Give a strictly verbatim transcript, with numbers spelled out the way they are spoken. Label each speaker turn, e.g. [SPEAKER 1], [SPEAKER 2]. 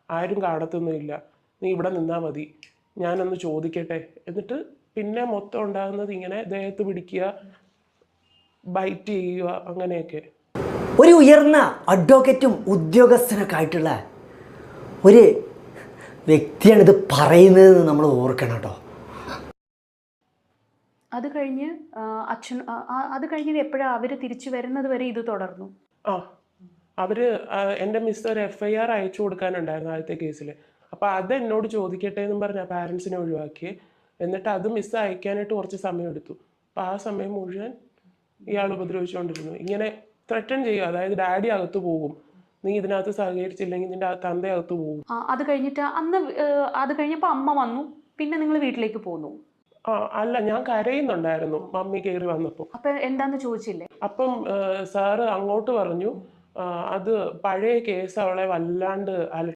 [SPEAKER 1] ആരും കാണത്തൊന്നുമില്ല, നീ ഇവിടെ നിന്നാൽ മതി, ഞാനൊന്ന് ചോദിക്കട്ടെ. എന്നിട്ട് പിന്നെ മൊത്തം ഉണ്ടാകുന്നത് ഇങ്ങനെ ദേഹത്ത് പിടിക്കുക, ബൈറ്റ് ചെയ്യുക, അങ്ങനെയൊക്കെ.
[SPEAKER 2] ഒരു ഉയർന്ന അഡ്വക്കേറ്റും ഉദ്യോഗസ്ഥനൊക്കെ ആയിട്ടുള്ള ഒരു വ്യക്തിയാണ് ഇത് പറയുന്നത് നമ്മൾ ഓർക്കണം കേട്ടോ.
[SPEAKER 3] അത് കഴിഞ്ഞ് അച്ഛൻ അത് കഴിഞ്ഞ് എപ്പോഴാണ് അവർ തിരിച്ചു വരുന്നത് വരെ ഇത് തുടർന്നു?
[SPEAKER 1] ആ അവർ എൻ്റെ മിസ് ഒരു എഫ് ഐ ആർ അയച്ചു കൊടുക്കാനുണ്ടായിരുന്നു ആദ്യത്തെ കേസിൽ. അപ്പോൾ അത് എന്നോട് ചോദിക്കട്ടെ എന്നും പറഞ്ഞ പാരൻസിനെ ഒഴിവാക്കി. എന്നിട്ട് അത് മിസ് അയക്കാനായിട്ട് കുറച്ച് സമയം എടുത്തു. അപ്പോൾ ആ സമയം മുഴുവൻ ഇയാൾ ഉപദ്രവിച്ചുകൊണ്ടിരുന്നു. ഇങ്ങനെ ത്രട്ടൺ ചെയ്യുക, അതായത് ഡാഡി അകത്ത് പോകും, നീ ഇതിനകത്ത് സഹകരിച്ചില്ലെങ്കിൽ നിന്റെ തന്ത അകത്ത് പോകും.
[SPEAKER 3] അത് കഴിഞ്ഞിട്ട് അന്ന് അത് കഴിഞ്ഞപ്പോൾ അമ്മ വന്നു, പിന്നെ നിങ്ങൾ വീട്ടിലേക്ക് പോന്നു?
[SPEAKER 1] ആ അല്ല, ഞാൻ കരയുന്നുണ്ടായിരുന്നു മമ്മി കയറി വന്നപ്പോൾ.
[SPEAKER 3] അപ്പം എന്താന്ന് ചോദിച്ചില്ലേ?
[SPEAKER 1] അപ്പം സാറ് അങ്ങോട്ട് പറഞ്ഞു, അത് പഴയ കേസ് അവളെ വല്ലാണ്ട് അല